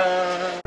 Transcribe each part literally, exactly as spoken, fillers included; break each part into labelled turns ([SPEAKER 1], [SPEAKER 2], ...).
[SPEAKER 1] 짜잔.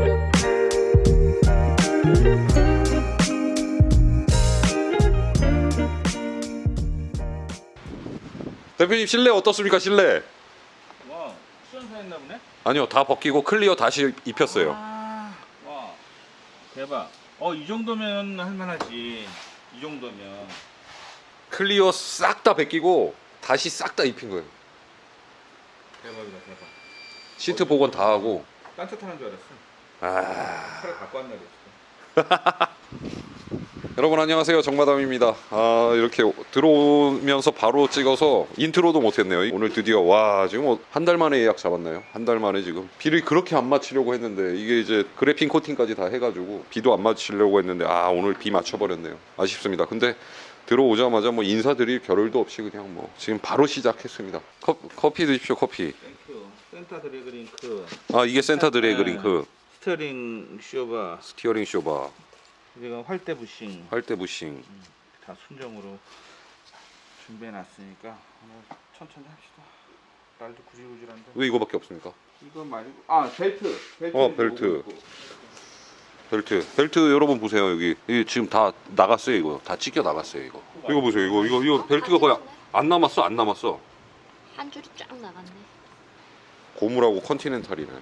[SPEAKER 1] 대표님 실내 어떻습니까? 실내?
[SPEAKER 2] 와, 수연사했나 보네?
[SPEAKER 1] 아니요, 다 벗기고 클리어 다시 입혔어요.
[SPEAKER 2] 아, 와, 대박. 어, 이 정도면 할만하지. 이 정도면.
[SPEAKER 1] 클리어 싹 다 벗기고 다시 싹 다 입힌 거예요.
[SPEAKER 2] 대박이다, 대박.
[SPEAKER 1] 시트 복원 다 하고.
[SPEAKER 2] 딴짓하는 줄 알았어.
[SPEAKER 1] 아...
[SPEAKER 2] 차를 갖고 왔나 그랬어.
[SPEAKER 1] 여러분 안녕하세요, 정마담입니다. 아, 이렇게 들어오면서 바로 찍어서 인트로도 못했네요. 오늘 드디어 와 지금 한 달 만에 예약 잡았나요? 한 달 만에 지금 비를 그렇게 안 맞추려고 했는데 이게 이제 그래핀 코팅까지 다 해가지고 비도 안 맞추려고 했는데 아 오늘 비 맞춰버렸네요. 아쉽습니다. 근데 들어오자마자 뭐 인사드릴 겨를도 없이 그냥 뭐 지금 바로 시작했습니다. 커, 커피 드십시오. 커피.
[SPEAKER 2] 땡큐. 센터 드래그링크.
[SPEAKER 1] 아 이게 센터 드래그링크.
[SPEAKER 2] 스티어링 쇼바.
[SPEAKER 1] 스티어링 쇼바.
[SPEAKER 2] 지금 활대 부싱.
[SPEAKER 1] 활대 부싱.
[SPEAKER 2] 음, 다 순정으로 준비해놨으니까 오늘 천천히 합시다. 날도 구질구질한데.
[SPEAKER 1] 왜 이거밖에 없습니까?
[SPEAKER 2] 이거 말고 아 벨트. 벨트.
[SPEAKER 1] 어, 벨트. 벨트, 벨트 여러분 보세요. 여기 이게 지금 다 나갔어요. 이거 다 찢겨 나갔어요. 이거 이거 보세요. 이거 이거 이거 벨트가 거의 안 남았어. 안 남았어.
[SPEAKER 3] 한 줄이 쫙 나갔네.
[SPEAKER 1] 고무라고 컨티넨탈이네.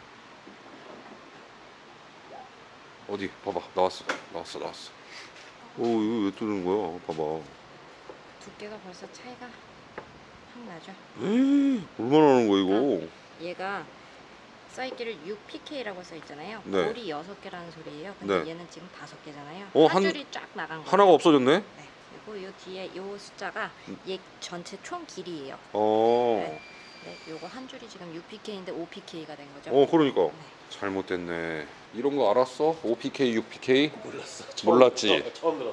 [SPEAKER 1] 어디 봐봐. 나왔어. 나왔어. 나왔어. 오 이거 왜 뚫는 거야? 봐봐.
[SPEAKER 3] 두께가 벌써 차이가 확 나죠.
[SPEAKER 1] 에이, 얼마나 하는 거야 이거?
[SPEAKER 3] 얘가 써있기를 육 피케이라고 써있잖아요.
[SPEAKER 1] 네.
[SPEAKER 3] 볼이 여섯 개라는 소리예요. 근데
[SPEAKER 1] 네.
[SPEAKER 3] 얘는 지금 다섯 개잖아요.
[SPEAKER 1] 어,
[SPEAKER 3] 한,
[SPEAKER 1] 한-
[SPEAKER 3] 줄이 쫙 나간 거예요.
[SPEAKER 1] 하나가 없어졌네?
[SPEAKER 3] 네. 그리고 요 뒤에 요 숫자가 얘 전체 총 길이에요.
[SPEAKER 1] 어.
[SPEAKER 3] 네. 네. 요거 한 줄이 지금 육 피케이인데 오 피케이가 된 거죠.
[SPEAKER 1] 어 그러니까
[SPEAKER 3] 네.
[SPEAKER 1] 잘못됐네. 이런 거 알았어? 오 피케이, 육 피케이?
[SPEAKER 4] 몰랐어.
[SPEAKER 1] 몰랐지?
[SPEAKER 4] 처음 들어.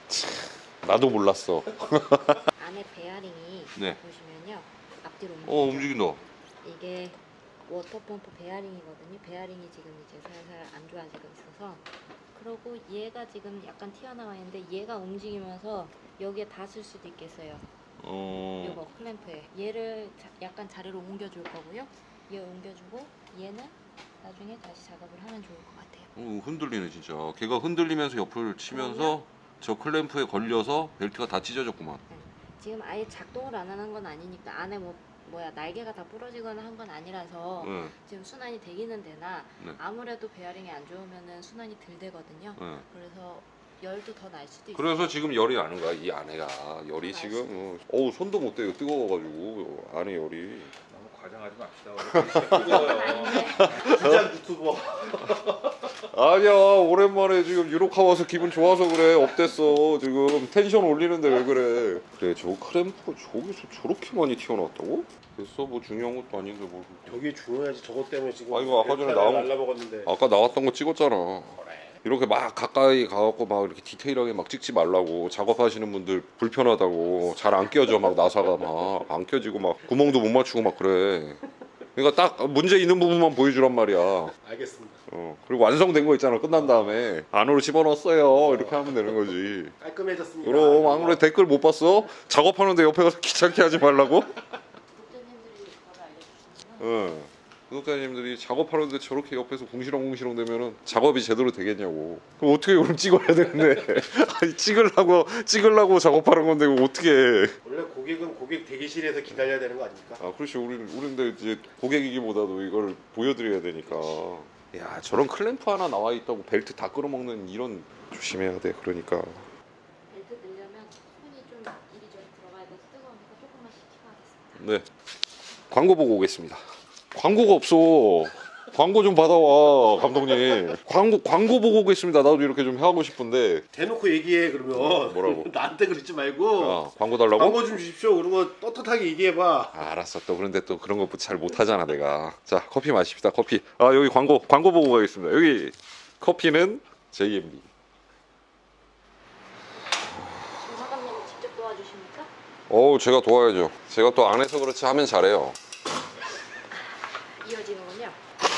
[SPEAKER 1] 나도 몰랐어.
[SPEAKER 3] 안에 베어링이
[SPEAKER 1] 네.
[SPEAKER 3] 보시면요. 앞뒤로 움직이죠.
[SPEAKER 1] 어 움직인다.
[SPEAKER 3] 이게 워터펌프 베어링이거든요. 베어링이 지금 이제 살살 안 좋아지고 있어서 그러고 얘가 지금 약간 튀어나와 있는데 얘가 움직이면서 여기에 닿을 수도 있겠어요.
[SPEAKER 1] 어.
[SPEAKER 3] 요거 클램프에 얘를 자, 약간 자리로 옮겨줄 거고요. 얘 옮겨주고 얘는 나중에 다시 작업을 하면 좋을 것 같아요.
[SPEAKER 1] 어, 흔들리네 진짜. 걔가 흔들리면서 옆을 치면서 저 클램프에 걸려서 벨트가 다 찢어졌구만.
[SPEAKER 3] 지금 아예 작동을 안 하는 건 아니니까 안에 뭐 뭐야 날개가 다 부러지거나 한 건 아니라서
[SPEAKER 1] 네.
[SPEAKER 3] 지금 순환이 되기는 되나
[SPEAKER 1] 네.
[SPEAKER 3] 아무래도 베어링이 안 좋으면은 순환이 덜 되거든요.
[SPEAKER 1] 네.
[SPEAKER 3] 그래서 열도 더 날 수도 있어요.
[SPEAKER 1] 그래서 지금 열이 나는 거야 이 안에가. 열이
[SPEAKER 3] 더
[SPEAKER 1] 지금
[SPEAKER 3] 날
[SPEAKER 1] 어, 어우 손도 못 대요. 뜨거워가지고 안에 열이.
[SPEAKER 2] 너무 과장하지 맙시다. 원래 뜨거워요.
[SPEAKER 4] 진짜 유튜버.
[SPEAKER 1] 아니야 오랜만에 지금 유로카 와서 기분 좋아서 그래. 업됐어 지금 텐션 올리는데 왜 그래. 그래 저 클램프 저기서 저렇게 많이 튀어나왔다고? 됐어 뭐 중요한 것도 아닌데 뭐.
[SPEAKER 4] 저게 중요하지. 저것 때문에 지금.
[SPEAKER 1] 아, 이거 아까 전에 나온-
[SPEAKER 4] 날라먹었는데.
[SPEAKER 1] 아까 나왔던 거 찍었잖아. 이렇게 막 가까이 가갖고 막 이렇게 디테일하게 막 찍지 말라고. 작업하시는 분들 불편하다고. 잘 안 껴져 막 나사가 막 안 껴지고 막 구멍도 못 맞추고 막 그래. 그러니까 딱 문제 있는 부분만 보여주란 말이야.
[SPEAKER 4] 알겠습니다.
[SPEAKER 1] 어 그리고 완성된 거 있잖아. 끝난 다음에 안으로 집어넣었어요. 이렇게 하면 되는 거지.
[SPEAKER 4] 깔끔해졌습니다.
[SPEAKER 1] 그럼 아무래 댓글 못 봤어? 작업하는데 옆에 가서 귀찮게 하지 말라고?
[SPEAKER 3] 구독자님들이 바로 알려주시면
[SPEAKER 1] 응. 구독자님들이 작업하는데 저렇게 옆에서 궁시렁궁시렁 되면은 작업이 제대로 되겠냐고. 그럼 어떻게 그럼 찍어야 되는데? 아니 찍으려고 찍으려고 작업하는 건데 이거 어떻게 해?
[SPEAKER 4] 원래 고객은 고객 대기실에서 기다려야 되는 거 아닙니까?
[SPEAKER 1] 아 그렇지. 우리는 우리인데 이제 고객이기보다도 이걸 보여드려야 되니까. 야 저런 클램프 하나 나와 있다고 벨트 다 끌어먹는 이런 조심해야 돼. 그러니까.
[SPEAKER 3] 벨트 넣으려면 손이 좀 이리저리 들어가야 돼서 뜨거우니까 조금만 식히고 하겠습니다.
[SPEAKER 1] 네. 광고 보고 오겠습니다. 광고가 없어. 광고 좀 받아와 감독님. 광고 광고 보고 오겠습니다. 나도 이렇게 좀 하고 싶은데.
[SPEAKER 4] 대놓고 얘기해 그러면.
[SPEAKER 1] 뭐라고?
[SPEAKER 4] 나한테 그러지 말고.
[SPEAKER 1] 아, 광고 달라고?
[SPEAKER 4] 광고 좀 주십시오. 그리고 떳떳하게 얘기해봐.
[SPEAKER 1] 아, 알았어. 또 그런데 또 그런 거 잘 못하잖아 내가. 자 커피 마십시다. 커피. 아 여기 광고 광고 보고 가겠습니다. 여기 커피는 제이엠비.
[SPEAKER 3] 사장님이 직접 도와주십니까?
[SPEAKER 1] 어우 제가 도와야죠. 제가 또 안 해서 그렇지 하면 잘해요.
[SPEAKER 3] 이어지는군요.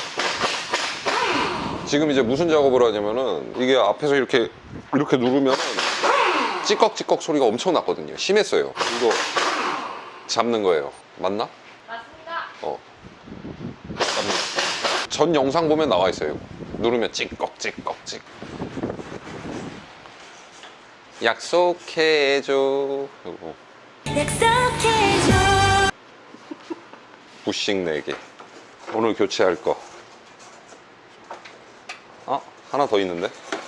[SPEAKER 1] 지금 이제 무슨 작업을 하냐면은 이게 앞에서 이렇게 이렇게 누르면 찌꺽찌꺽 소리가 엄청 났거든요. 심했어요. 이거 잡는 거예요. 맞나?
[SPEAKER 3] 맞습니다.
[SPEAKER 1] 어. 잡는. 전 영상 보면 나와 있어요. 누르면 찌꺽찌꺽찌. 약속해줘. 요거.
[SPEAKER 5] 약속해줘.
[SPEAKER 1] 부싱 네 개. 오늘 교체할 거. 아, 하나 더 있는데?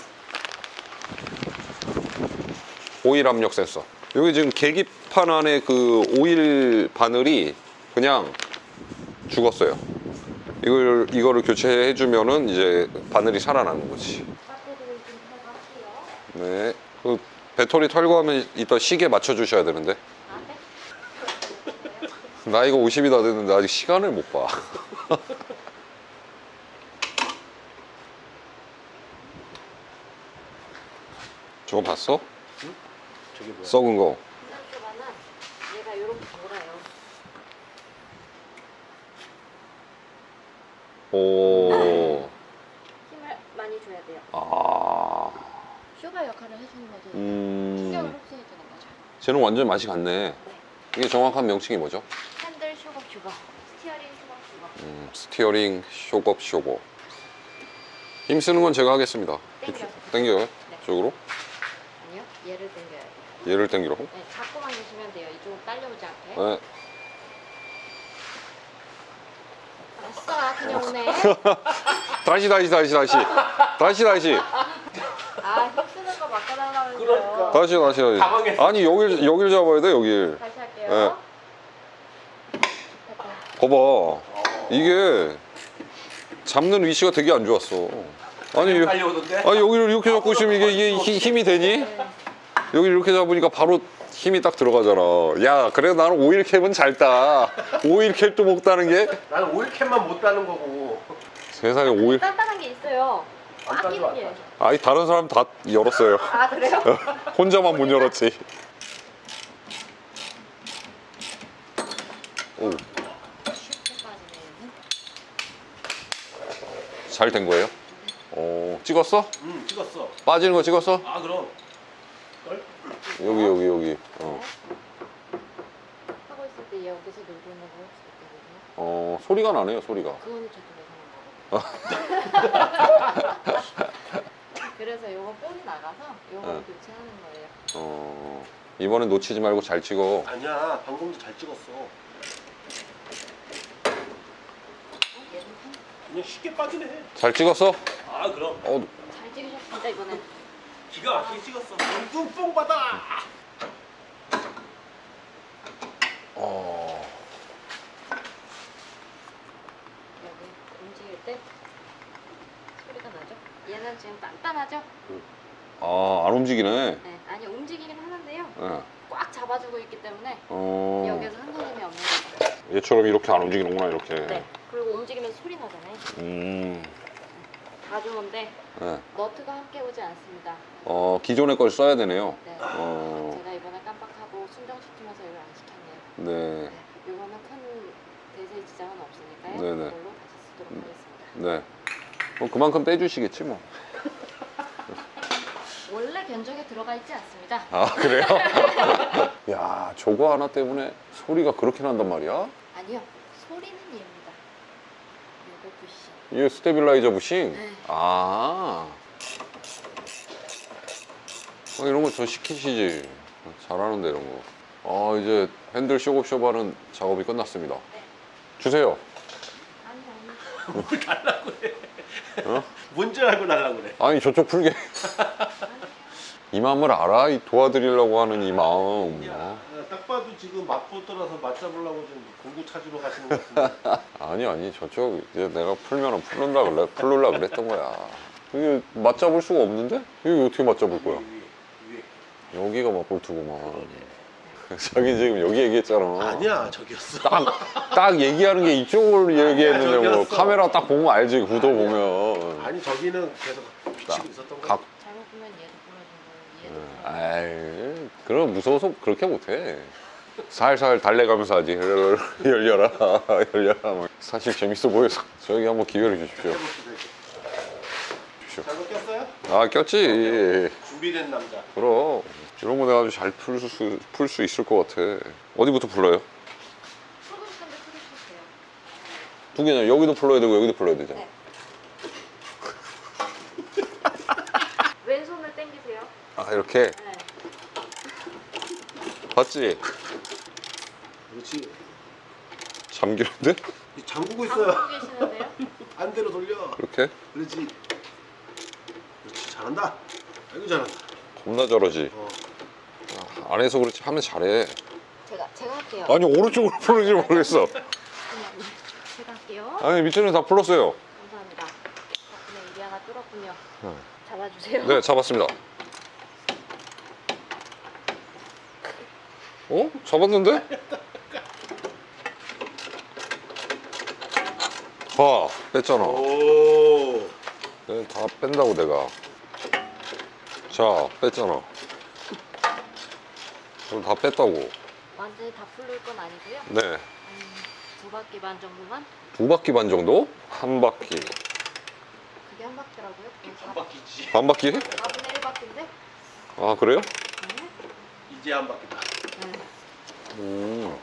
[SPEAKER 1] 오일 압력 센서. 여기 지금 계기판 안에 그 오일 바늘이 그냥 죽었어요. 이걸, 이거를 교체해주면은 이제 바늘이 살아나는 거지.
[SPEAKER 3] 배터리를 좀 탈거할게요.
[SPEAKER 1] 네. 그 배터리 털고 하면 이따 시계 맞춰주셔야 되는데.
[SPEAKER 3] 아, 네?
[SPEAKER 1] 나이가 오십이 다 됐는데 아직 시간을 못 봐. 저거 봤어?
[SPEAKER 4] 저게 뭐야?
[SPEAKER 1] 썩은 거.
[SPEAKER 3] 분산초가는 얘가 이렇게 돌아요.
[SPEAKER 1] 오.
[SPEAKER 3] 힘을 많이 줘야 돼요.
[SPEAKER 1] 아.
[SPEAKER 3] 쇼가 역할을 해주는 거죠.
[SPEAKER 1] 음.
[SPEAKER 3] 충격을 흡수해주는 거죠.
[SPEAKER 1] 쟤는 완전 맛이 같네.
[SPEAKER 3] 네.
[SPEAKER 1] 이게 정확한 명칭이 뭐죠?
[SPEAKER 3] 핸들 쇼업 슈거, 스티어링 쇼업 슈거.
[SPEAKER 1] 음, 스티어링 쇼업 쇼버. 힘 쓰는 건 제가 하겠습니다.
[SPEAKER 3] 땡겨.
[SPEAKER 1] 당겨요?
[SPEAKER 3] 네.
[SPEAKER 1] 쪽으로?
[SPEAKER 3] 아니요, 얘를 당겨야 돼요.
[SPEAKER 1] 얘를 당기라고?
[SPEAKER 3] 네, 잡고만 계시면 돼요. 이쪽으로 딸려오지 않게.
[SPEAKER 1] 네.
[SPEAKER 3] 아싸, 그냥 오네.
[SPEAKER 1] 다시 다시 다시 다시 다시 다시
[SPEAKER 3] 아, 힘 쓰는 거 바꿔달라면서요.
[SPEAKER 4] 그러니까.
[SPEAKER 1] 다시 다시 다시.
[SPEAKER 4] 당황했어.
[SPEAKER 1] 아니 여길 여길 잡아야 돼 여길.
[SPEAKER 3] 다시 할게요. 됐다.
[SPEAKER 1] 봐봐. 이게 잡는 위치가 되게 안 좋았어. 아니 여-
[SPEAKER 4] 달려오던데?
[SPEAKER 1] 아니 여기를 이렇게 잡고 있으면 이게, 이게 히- 힘이 되니?
[SPEAKER 3] 네.
[SPEAKER 1] 여기 이렇게 잡으니까 바로 힘이 딱 들어가잖아. 야, 그래 나는 오일 캡은 잘 따. 오일 캡도 못 따는 게
[SPEAKER 4] 나는 오일캔만 못 따는 거고.
[SPEAKER 1] 세상에 오일.
[SPEAKER 3] 단단한 게 있어요.
[SPEAKER 4] 안
[SPEAKER 3] 꽉
[SPEAKER 4] 따져
[SPEAKER 3] 끼는
[SPEAKER 4] 안
[SPEAKER 3] 게.
[SPEAKER 4] 따져.
[SPEAKER 1] 아니 다른 사람 다 열었어요.
[SPEAKER 3] 아, 그래요?
[SPEAKER 1] 혼자만 못 열었지. 오,
[SPEAKER 3] 쉽게 빠지네.
[SPEAKER 1] 잘 된 거예요? 오, 찍었어?
[SPEAKER 4] 응 찍었어.
[SPEAKER 1] 빠지는 거 찍었어?
[SPEAKER 4] 아 그럼. 걸?
[SPEAKER 1] 여기 여기 여기. 어,
[SPEAKER 3] 하고 있을 때 여기서 놀고 있는 거 혹시 있거든요.
[SPEAKER 1] 어 소리가 나네요. 소리가.
[SPEAKER 3] 그거는 저도 예상한 거. 그래서 요거 볼이 나가서 요거
[SPEAKER 1] 네.
[SPEAKER 3] 교체하는 거예요.
[SPEAKER 1] 어, 이번엔 놓치지 말고 잘 찍어.
[SPEAKER 4] 아니야 방금도 잘 찍었어.
[SPEAKER 3] 얘는
[SPEAKER 4] 그냥 쉽게 빠지네.
[SPEAKER 1] 잘 찍었어?
[SPEAKER 4] 아 그럼.
[SPEAKER 1] 어,
[SPEAKER 3] 잘 찍으셨습니다 이번엔.
[SPEAKER 4] 기가 막히게 찍었어. 뚱뽕 받아.
[SPEAKER 1] 어,
[SPEAKER 3] 여기 움직일 때 소리가 나죠? 얘는 지금 단단하죠?
[SPEAKER 1] 아, 안 움직이네.
[SPEAKER 3] 네, 아니 움직이긴 하는데요.
[SPEAKER 1] 예.
[SPEAKER 3] 꽉 잡아주고 있기 때문에
[SPEAKER 1] 어,
[SPEAKER 3] 여기에서 흔들림이 없는 거죠.
[SPEAKER 1] 얘처럼 이렇게 안 움직이는구나 이렇게.
[SPEAKER 3] 네. 그리고 움직이면서 소리 나잖아요.
[SPEAKER 1] 음,
[SPEAKER 3] 다 좋은데
[SPEAKER 1] 네.
[SPEAKER 3] 너트가 함께 오지 않습니다.
[SPEAKER 1] 어, 기존의 걸 써야 되네요.
[SPEAKER 3] 네.
[SPEAKER 1] 어,
[SPEAKER 3] 제가 이번에 깜빡하고 순정시키면서 이걸 안 시켰네요.
[SPEAKER 1] 네,
[SPEAKER 3] 네. 이거는 큰 대세 지장은 없으니까요.
[SPEAKER 1] 네네.
[SPEAKER 3] 이걸로 다시 쓰도록 하겠습니다.
[SPEAKER 1] 네. 뭐 그만큼 떼주시겠지 뭐.
[SPEAKER 3] 원래 견적에 들어가 있지 않습니다.
[SPEAKER 1] 아, 그래요? 야, 저거 하나 때문에 소리가 그렇게 난단 말이야?
[SPEAKER 3] 아니요. 소리는 얘입니다. 요거 부시.
[SPEAKER 1] 이게 스테빌라이저 부싱?
[SPEAKER 3] 네.
[SPEAKER 1] 아. 어, 이런 거 저 시키시지. 잘하는데 이런 거. 아, 이제 핸들 쇼업쇼바는 작업이 끝났습니다. 주세요.
[SPEAKER 3] 아니 아니.
[SPEAKER 4] 뭘 달라고 그래.
[SPEAKER 1] 어?
[SPEAKER 4] 뭔지 알고 달라고 그래.
[SPEAKER 1] 아니 저쪽 풀게. 이 마음을 알아? 이 도와드리려고 하는 이 마음.
[SPEAKER 4] 야,
[SPEAKER 1] 어?
[SPEAKER 4] 딱 봐도 지금 맛보 떠나서 맛 잡으려고 좀 공구 찾으러 가시는 것 같은데.
[SPEAKER 1] 아니 아니 저쪽 이제 내가 풀면은 풀는다 그래 풀르려 그랬던 거야. 이게 맞잡을 수가 없는데? 이게 어떻게 맞잡을 거야?
[SPEAKER 4] 위에, 위에.
[SPEAKER 1] 여기가 맞볼트구만. 자기 지금 여기 얘기했잖아.
[SPEAKER 4] 아니야 저기였어.
[SPEAKER 1] 딱, 딱 얘기하는 게 이쪽을 얘기했는데 뭐
[SPEAKER 4] 저기였어.
[SPEAKER 1] 카메라 딱 보면 알지 구도 보면.
[SPEAKER 4] 아니 저기는 계속 비치고 있었던 거야.
[SPEAKER 1] 각.
[SPEAKER 3] 잘못 보면 얘도 부러진 거예요. 얘도 부러진
[SPEAKER 1] 아이 그럼 무서워서 그렇게 못해. 살살 달래가면서 하지. 열려라 열려라. 막. 사실 재밌어 보여서 저기 한번 기회를 주십시오.
[SPEAKER 4] 해봅시다, 이제.
[SPEAKER 1] 주십시오.
[SPEAKER 4] 잘못 꼈어요?
[SPEAKER 1] 아 꼈지.
[SPEAKER 4] 준비된 남자.
[SPEAKER 1] 그럼 이런 거 내가 아주 잘 풀 수 풀 수 있을 것 같아. 어디부터 불러요?
[SPEAKER 3] 풀고 싶은데 풀고 싶으세요.
[SPEAKER 1] 두 개냐? 여기도 풀러야 되고 여기도 풀러야 되잖아.
[SPEAKER 3] 네. 왼손을 당기세요.
[SPEAKER 1] 아 이렇게
[SPEAKER 3] 네.
[SPEAKER 1] 봤지?
[SPEAKER 4] 그렇지.
[SPEAKER 1] 잠기는데?
[SPEAKER 4] 잠그고 있어요.
[SPEAKER 3] 잠고 계시는데요?
[SPEAKER 4] 반대로 돌려.
[SPEAKER 1] 이렇게?
[SPEAKER 4] 그렇지. 그렇지. 잘한다. 아이고 잘한다.
[SPEAKER 1] 겁나 잘하지.
[SPEAKER 4] 어.
[SPEAKER 1] 안에서 그렇지 하면 잘해.
[SPEAKER 3] 제가 제가 할게요.
[SPEAKER 1] 아니 오른쪽으로 풀는지 모르겠어.
[SPEAKER 3] 잠깐만요. 제가 할게요.
[SPEAKER 1] 아니 밑에는 다 풀었어요.
[SPEAKER 3] 감사합니다. 덕분에 일이 하나 뚫었군요.
[SPEAKER 1] 네.
[SPEAKER 3] 잡아주세요.
[SPEAKER 1] 네 잡았습니다. 어? 잡았는데? 봐 뺐잖아.
[SPEAKER 4] 오.
[SPEAKER 1] 네, 다 뺀다고 내가. 자 뺐잖아. 그럼 다 뺐다고.
[SPEAKER 3] 완전히 다 풀릴 건 아니고요.
[SPEAKER 1] 네.
[SPEAKER 3] 한 두 바퀴 반 정도만.
[SPEAKER 1] 두 바퀴 반 정도? 한 바퀴.
[SPEAKER 3] 그게 한 바퀴라고요?
[SPEAKER 4] 한 바퀴지.
[SPEAKER 1] 반 바퀴?
[SPEAKER 3] 사분의 일 바퀴인데?
[SPEAKER 1] 아 그래요?
[SPEAKER 3] 네.
[SPEAKER 4] 이제 한 바퀴다.
[SPEAKER 3] 네.
[SPEAKER 1] 음.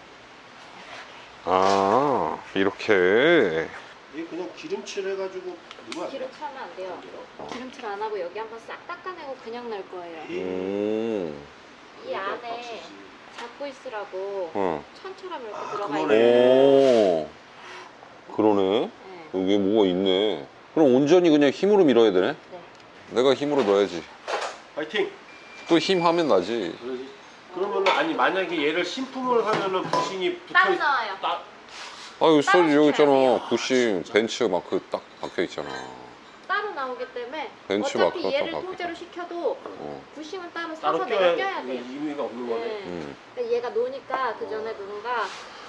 [SPEAKER 1] 아 이렇게.
[SPEAKER 4] 이게 그냥 기름칠 해가지고 넣으면 안 돼?
[SPEAKER 3] 기름칠 하면 안 돼요. 기름칠 안 하고 여기 한번 싹 닦아내고 그냥 넣을 거예요.
[SPEAKER 1] 음.
[SPEAKER 3] 이 안에 잡고 있으라고
[SPEAKER 1] 어.
[SPEAKER 3] 천처럼 이렇게
[SPEAKER 4] 아,
[SPEAKER 3] 들어가
[SPEAKER 4] 그거네.
[SPEAKER 3] 있어요.
[SPEAKER 1] 오. 그러네.
[SPEAKER 3] 네.
[SPEAKER 1] 여기 뭐가 있네. 그럼 온전히 그냥 힘으로 밀어야 되네.
[SPEAKER 3] 네.
[SPEAKER 1] 내가 힘으로 넣어야지.
[SPEAKER 4] 파이팅.
[SPEAKER 1] 또 힘 하면 나지.
[SPEAKER 4] 그러지. 그러면 아니 만약에 얘를 신품을 하면은 부싱이 붙어
[SPEAKER 3] 따로
[SPEAKER 4] 있.
[SPEAKER 3] 나와요.
[SPEAKER 4] 따.
[SPEAKER 1] 아 여기
[SPEAKER 3] 따로
[SPEAKER 1] 써지 여기
[SPEAKER 3] 붙여야 돼요.
[SPEAKER 1] 있잖아. 부싱 벤츠 마크 딱 박혀 있잖아.
[SPEAKER 3] 따로 나오기 때문에
[SPEAKER 1] 벤치
[SPEAKER 3] 어차피
[SPEAKER 1] 마크가
[SPEAKER 3] 얘를
[SPEAKER 1] 딱
[SPEAKER 3] 통째로 시켜도
[SPEAKER 1] 어.
[SPEAKER 3] 부싱은 따로
[SPEAKER 4] 따로
[SPEAKER 3] 사서 내가
[SPEAKER 4] 껴야
[SPEAKER 3] 껴야 돼요.
[SPEAKER 4] 의미가 없는 거네.
[SPEAKER 3] 네.
[SPEAKER 1] 음.
[SPEAKER 3] 근데 얘가 노니까 그 전에 누군가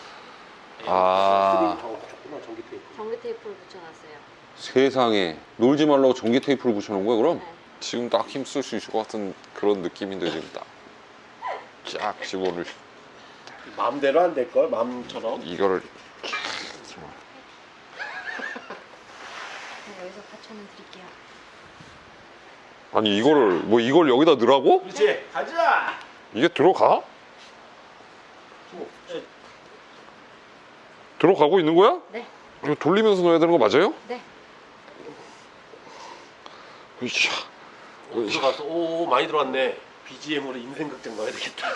[SPEAKER 1] 아
[SPEAKER 4] 조금만 전기 테이프.
[SPEAKER 3] 전기 테이프를 붙여놨어요.
[SPEAKER 1] 세상에 놀지 말라고 전기 테이프를 붙여놓은 거야 그럼?
[SPEAKER 3] 네.
[SPEAKER 1] 지금 딱 힘 쓸 수 있을 것 같은 그런 느낌인데 지금 딱 쫙 집어를
[SPEAKER 4] 마음대로 안 될 걸. 마음처럼.
[SPEAKER 1] 이거를
[SPEAKER 3] 네, 여기서 사천원 드릴게요.
[SPEAKER 1] 아니 이거를 뭐 이걸 여기다 넣으라고?
[SPEAKER 4] 그렇지. 가자.
[SPEAKER 1] 이게 들어가? 들어가고 있는 거야?
[SPEAKER 3] 네.
[SPEAKER 1] 이거 돌리면서 넣어야 되는 거 맞아요?
[SPEAKER 3] 네.
[SPEAKER 1] 으쌰. 으쌰.
[SPEAKER 4] 들어가서 오 많이 들어왔네. 비지엠으로 인생 극장 넣어야 되겠다.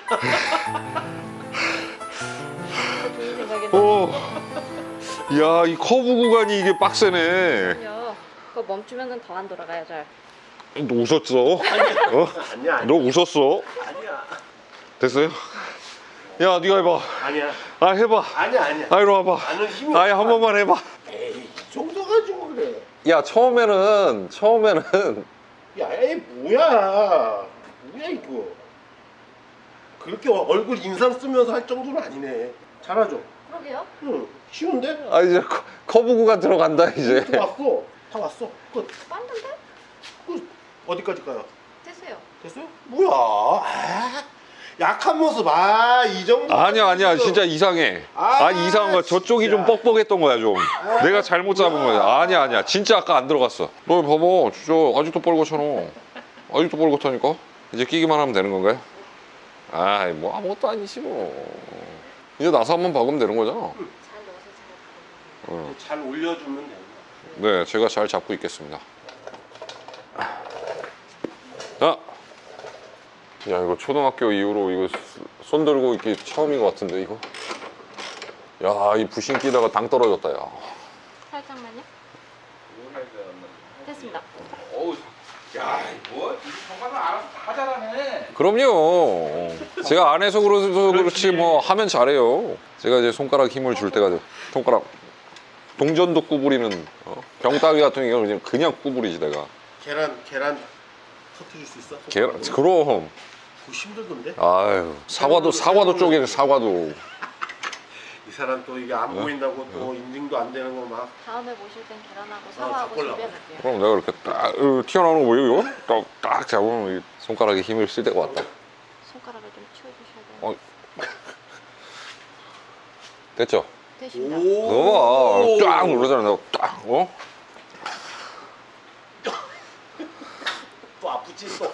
[SPEAKER 3] 좋은 생각인데.
[SPEAKER 1] 오. 야, 이 커브 구간이 이게 빡세네.
[SPEAKER 3] 그럼요. 그거 멈추면은 더 안 돌아가요, 잘.
[SPEAKER 1] 너 웃었어? 어?
[SPEAKER 4] 아니야.
[SPEAKER 1] 너 웃었어?
[SPEAKER 4] 아니야.
[SPEAKER 1] 됐어요? 야, 네가 해봐.
[SPEAKER 4] 아니야.
[SPEAKER 1] 아, 해봐.
[SPEAKER 4] 아니야 아니야.
[SPEAKER 1] 아, 이리 와봐.
[SPEAKER 4] 나는 힘이
[SPEAKER 1] 아예 한
[SPEAKER 4] 없어.
[SPEAKER 1] 번만 해봐.
[SPEAKER 4] 에이 이 정도 가지고 그래.
[SPEAKER 1] 야, 처음에는 처음에는
[SPEAKER 4] 야, 에이 뭐야? 뭐야 이거? 그렇게 얼굴 인상 쓰면서 할 정도는 아니네. 잘하죠?
[SPEAKER 3] 그러게요.
[SPEAKER 4] 응. 쉬운데?
[SPEAKER 1] 아 이제 커- 커브 구간 들어간다 이제.
[SPEAKER 4] 다 왔어. 다 왔어. 끝.
[SPEAKER 3] 빤던데?
[SPEAKER 4] 끝. 어디까지 가요?
[SPEAKER 3] 됐어요.
[SPEAKER 4] 됐어요? 뭐야? 아, 약한 모습. 아, 이 정도.
[SPEAKER 1] 아니야 아니야 진짜 이상해. 아,
[SPEAKER 4] 아,
[SPEAKER 1] 이상한 거야. 저쪽이
[SPEAKER 4] 진짜.
[SPEAKER 1] 좀 뻑뻑했던 거야 좀. 내가 잘못 잡은 거야. 아니야 아니야 진짜 아까 안 들어갔어. 너 봐봐 진짜 아직도 뻘겋잖아. 아직도 뻘겋다니까. 이제 끼기만 하면 되는 건가요? 아이 뭐 아무것도 아니지 뭐. 이제 나서 한번 박으면 되는 거잖아.
[SPEAKER 3] 잘 넣어서 잘.
[SPEAKER 1] 어.
[SPEAKER 4] 잘 올려주면 되는 거야.
[SPEAKER 1] 네 제가 잘 잡고 있겠습니다. 자. 야 이거 초등학교 이후로 이거 손 들고 있기 처음인 것 같은데 이거. 야 이 부신 끼다가 당 떨어졌다 야.
[SPEAKER 3] 살짝만요. 됐습니다.
[SPEAKER 2] 어우, 야, 뭐? 이 정말은 알아서 다 잘하네.
[SPEAKER 1] 그럼요. 제가 안 해서 그래서 그렇지 뭐 하면 잘해요. 제가 이제 손가락 힘을 줄 때가 돼. 손가락 동전도 구부리는 어? 병따기 같은 경우는 그냥 구부리지 내가.
[SPEAKER 4] 계란, 계란 터트릴 수 있어?
[SPEAKER 1] 계란 그럼.
[SPEAKER 4] 그거 힘들던데?
[SPEAKER 1] 아유 사과도 사과도 쪼개 사과도.
[SPEAKER 4] 이 사람 또 이게 안
[SPEAKER 1] 네?
[SPEAKER 4] 보인다고 또 인증도 안 되는 거 막.
[SPEAKER 3] 다음에 보실 땐 계란하고
[SPEAKER 4] 어,
[SPEAKER 3] 사과하고
[SPEAKER 4] 바꾸려고.
[SPEAKER 3] 준비해볼게요.
[SPEAKER 1] 그럼 내가 이렇게 딱 으, 튀어나오는 거 보여요? 이거? 딱, 딱 잡으면 이 손가락에 힘을 쓸 때가 왔다.
[SPEAKER 3] 손가락을 좀 치워주셔야 돼요.
[SPEAKER 1] 어. 됐죠?
[SPEAKER 3] 되십니다.
[SPEAKER 1] 넣어봐. 쫙 누르잖아. 내가 딱 어?
[SPEAKER 4] 또 아프지 또.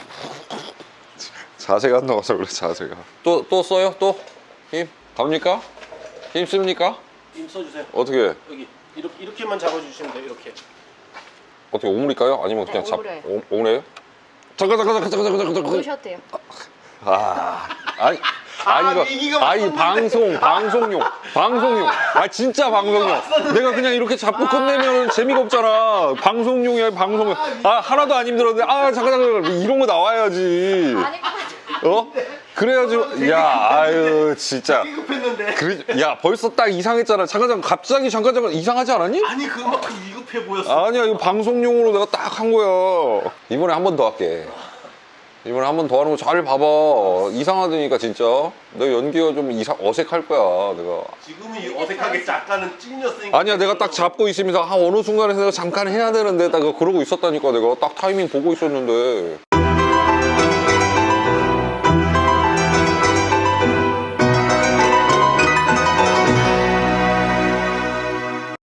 [SPEAKER 1] 자세가 안 나와서 그래 자세가. 또 또 써요? 또 힘 갑니까? 힘 씁니까?
[SPEAKER 4] 힘 써주세요.
[SPEAKER 1] 어떻게
[SPEAKER 4] 여기 이렇게 이렇게만 잡아주시면 돼요. 이렇게.
[SPEAKER 1] 어떻게 오므릴까요? 아니면 그냥
[SPEAKER 3] 네,
[SPEAKER 1] 잡
[SPEAKER 3] 오므려요.
[SPEAKER 1] 오- 오므려요? 잠깐 잠깐 잠깐 잠깐 잠깐 잠깐
[SPEAKER 3] 보셔도 돼요.
[SPEAKER 1] 아, 아니,
[SPEAKER 4] 아,
[SPEAKER 1] 아니,
[SPEAKER 4] 얘기가
[SPEAKER 1] 이거, 아니,
[SPEAKER 4] 맞았는데.
[SPEAKER 1] 방송, 방송용, 방송용. 아, 진짜 방송용. 내가 그냥 이렇게 잡고 끝내면 재미가 없잖아. 방송용이야, 방송용. 아, 하나도 안 힘들었는데, 아, 잠깐, 잠깐, 이런 거 나와야지.
[SPEAKER 3] 아니
[SPEAKER 1] 어? 그래야지, 야, 아유, 진짜.
[SPEAKER 4] 되게 급했는데.
[SPEAKER 1] 그래, 야, 벌써 딱 이상했잖아. 잠깐, 잠깐, 갑자기 잠깐, 잠깐, 이상하지 않았니?
[SPEAKER 4] 아니 그만큼 위급해 보였어.
[SPEAKER 1] 아니야, 이거 방송용으로 내가 딱 한 거야. 이번에 한 번 더 할게. 이번에 한 번 더 하는 거 잘 봐봐. 이상하다니까 진짜. 너 연기가 좀 이상 어색할 거야. 내가.
[SPEAKER 4] 지금은 이 어색하게 작가는 찐이었으니까.
[SPEAKER 1] 아니야, 내가 딱 잡고 있으면서 한 어느 순간에서 내가 잠깐 해야 되는데 딱 그러고 있었다니까. 내가 딱 타이밍 보고 있었는데.